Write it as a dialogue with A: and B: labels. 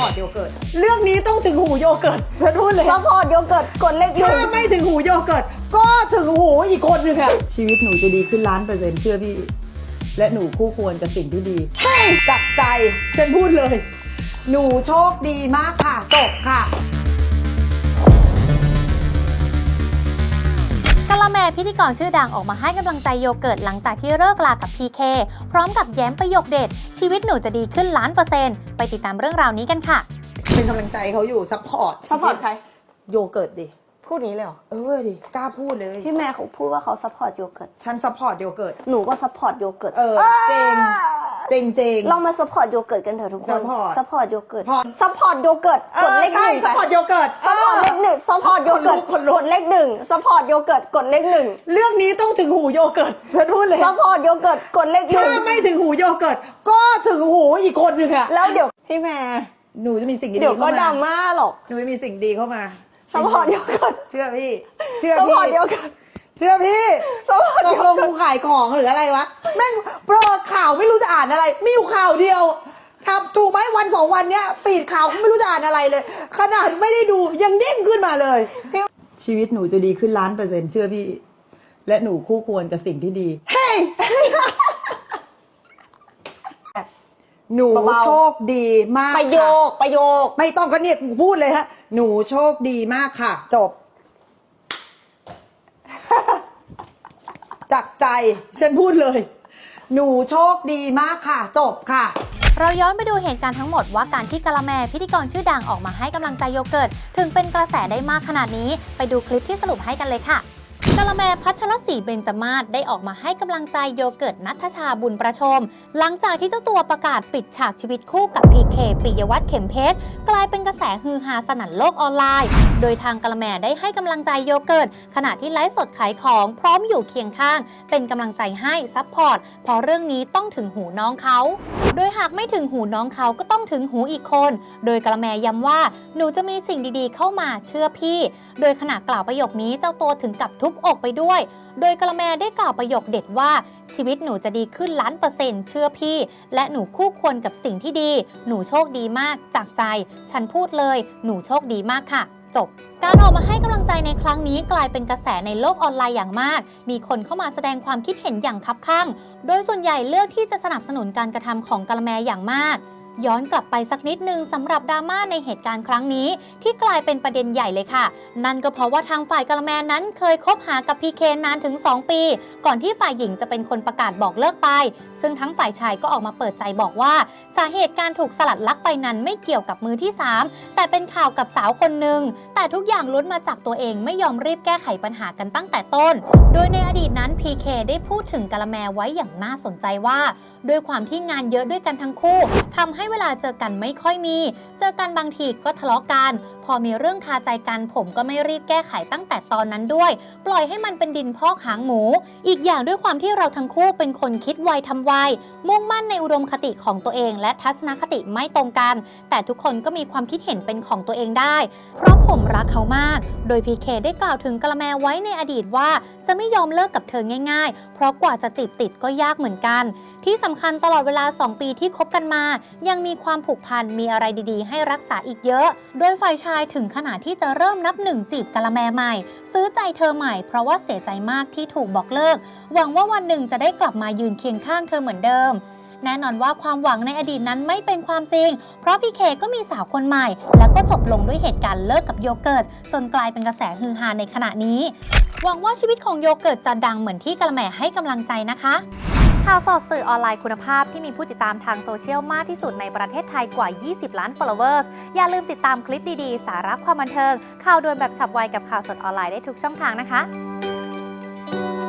A: พอร์ตโยเกิร์ตเรื่องนี้ต้องถึงหูโยเกิร์ตฉันพูดเลย
B: ซัพพอร์ตโยเกิร์ตกดเลข
A: ถ้าไม่ถึงหูโยเกิร์ตก็ถึงหูอีกคนหนึ่งค่ะชีวิตหนูจะดีขึ้น1,000,000%เชื่อพี่และหนูคู่ควรกับสิ่งที่ดีจากใจฉันพูดเลยหนูโชคดีมากค่ะจบค่ะ
C: กะละแมพิธีกรชื่อดังออกมาให้กำลังใจโยเกิร์ตหลังจากที่เลิกลากับ PK พร้อมกับแย้มประโยคเด็ดชีวิตหนูจะดีขึ้น1,000,000%ไปติดตามเรื่องราวนี้กันค่ะ
A: เป็นกำลังใจเขาอยู่ซัพพอร์ต
B: ใคร
A: โยเกิร์ตดิ
B: พูดนี้เลยเหรอ
A: ดิกล้าพูดเลย
B: พี่แม่เขาพูดว่าเขาซัพพอร์ตโยเกิร์ต
A: ฉันซัพพอร์ตโยเกิร์ต
B: หนูก็ซัพพอร์ตโยเกิร์ต
A: เจง
B: ลองมาซัพพอร์ตโยเกิร์ตกันเถอะทุกคนซัพพอร์ตโยเกิร์ต
A: ซัพพอร์ตโยเกิร์ต
B: กดเลข 1
A: ซัพพอร์ตโยเกิร์ต
B: ซัพพอร์ตเลข 1ซัพพอร์ตโยเกิร์ตกดเลข 1ซัพพอร์ตโยเกิร์ตกดเลข 1
A: เรื่องนี้ต้องถึงหูโยเกิร์ตฉันพูดเลย
B: ซัพพอร์ตโยเกิร์ตกดเลข 1
A: ถ้าไม่ถึงหูโยเกิร์ตก็ถึงหูอีกคนหนึ่งอะ
B: แล้วเดี๋ยวพี่แม่
A: หนูจะมีสิ่งดี
B: เดี๋ยวก็ดราม่าหรอก
A: หนูไม่มีสิ่งดีเข้ามา
B: ซัพพอร์ตโยเกิร์ต
A: เชื่อพี่
B: ซัพพอร์ตโยเกิร์ต
A: เชื่อพี่ตกลงกูขายของหรืออะไรวะแม่งโปรข่าวไม่รู้จะอ่านอะไรมีอยู่ข่าวเดียวครับถูกไหมวัน2 วันเนี้ยฟีดข่าวไม่รู้จะอ่านอะไรเลยขนาดไม่ได้ดูยังเด้งขึ้นมาเลยชีวิตหนูจะดีขึ้น1,000,000%เชื่อพี่และหนูคู่ควรกับสิ่งที่ดีเฮ้ยหนูโชคดีมาก
B: ประโยค
A: ไม่ต้องก็เนี่ยพูดเลยฮะหนูโชคดีมากค่ะจบจากใจฉันพูดเลยหนูโชคดีมากค่ะจบค่ะ
C: เราย้อนไปดูเหตุการณ์ทั้งหมดว่าการที่กะละแมพิธีกรชื่อดังออกมาให้กำลังใจโยเกิร์ตถึงเป็นกระแสได้มากขนาดนี้ไปดูคลิปที่สรุปให้กันเลยค่ะกะละแมพัชรศรีเบญจมาศได้ออกมาให้กำลังใจโยเกิร์ตณัฐชาบุญประชมหลังจากที่เจ้าตัวประกาศปิดฉากชีวิตคู่กับ PK ปิยวัฒน์เข็มเพชรกลายเป็นกระแสฮือฮาสนั่นโลกออนไลน์โดยทางกะละแมได้ให้กำลังใจโยเกิร์ตขณะที่ไลฟ์สดขายของพร้อมอยู่เคียงข้างเป็นกำลังใจให้ซัพพอร์ตเพราะเรื่องนี้ต้องถึงหูน้องเขาโดยหากไม่ถึงหูน้องเขาก็ต้องถึงหูอีกคนโดยกะละแมย้ำว่าหนูจะมีสิ่งดีๆเข้ามาเชื่อพี่โดยขณะกล่าวประโยคนี้เจ้าตัวถึงกับทุบอกไปด้วยโดยกะละแมได้กล่าวประโยคเด็ดว่าชีวิตหนูจะดีขึ้น1,000,000%เชื่อพี่และหนูคู่ควรกับสิ่งที่ดีหนูโชคดีมากจากใจฉันพูดเลยหนูโชคดีมากค่ะจบการออกมาให้กำลังใจในครั้งนี้กลายเป็นกระแสในโลกออนไลน์อย่างมากมีคนเข้ามาแสดงความคิดเห็นอย่างคับคั่งโดยส่วนใหญ่เลือกที่จะสนับสนุนการกระทำของกะละแมอย่างมากย้อนกลับไปสักนิดนึงสำหรับดราม่าในเหตุการณ์ครั้งนี้ที่กลายเป็นประเด็นใหญ่เลยค่ะนั่นก็เพราะว่าทางฝ่ายกะละแมนั้นเคยคบหากับ PK นานถึง2 ปีก่อนที่ฝ่ายหญิงจะเป็นคนประกาศบอกเลิกไปซึ่งทั้งฝ่ายชายก็ออกมาเปิดใจบอกว่าสาเหตุการถูกสลัดลักไปนั้นไม่เกี่ยวกับมือที่3แต่เป็นข่าวกับสาวคนหนึ่งแต่ทุกอย่างล้วนมาจากตัวเองไม่ยอมรีบแก้ไขปัญหากันตั้งแต่ต้นโดยในอดีตนั้น PK ได้พูดถึงกะละแมไว้อย่างน่าสนใจว่าด้วยความที่งานเยอะด้วยกันทั้งคู่ทำให้เวลาเจอกันไม่ค่อยมีเจอกันบางทีก็ทะเลาะกันพอมีเรื่องคาใจกันผมก็ไม่รีบแก้ไขตั้งแต่ตอนนั้นด้วยปล่อยให้มันเป็นดินพอกหางหมูอีกอย่างด้วยความที่เราทั้งคู่เป็นคนคิดไวทำไวมุ่งมั่นในอุดมคติของตัวเองและทัศนคติไม่ตรงกันแต่ทุกคนก็มีความคิดเห็นเป็นของตัวเองได้เพราะผมรักเขามากโดย PK ได้กล่าวถึงกะละแมไว้ในอดีตว่าจะไม่ยอมเลิกกับเธอง่ายๆเพราะกว่าจะจีบติดก็ยากเหมือนกันที่สำคัญตลอดเวลา2 ปีที่คบกันมายังมีความผูกพันมีอะไรดีๆให้รักษาอีกเยอะโดยฝ่ายชายถึงขนาดที่จะเริ่มนับ1จีบกะละแมใหม่ซื้อใจเธอใหม่เพราะว่าเสียใจมากที่ถูกบอกเลิกหวังว่าวันหนึ่งจะได้กลับมายืนเคียงข้างเธอเหมือนเดิมแน่นอนว่าความหวังในอดีตนั้นไม่เป็นความจริงเพราะพี่เคก็มีสาวคนใหม่แล้วก็จบลงด้วยเหตุการณ์เลิกกับโยเกิร์ตจนกลายเป็นกระแสฮือฮาในขณะนี้หวังว่าชีวิตของโยเกิร์ตจะดังเหมือนที่กะละแมให้กำลังใจนะคะข่าวสดสื่อออนไลน์คุณภาพที่มีผู้ติดตามทางโซเชียลมากที่สุดในประเทศไทยกว่า20 ล้าน followers อย่าลืมติดตามคลิปดีๆสาระความบันเทิงข่าวด่วนแบบฉับไวกับข่าวสดออนไลน์ได้ทุกช่องทางนะคะ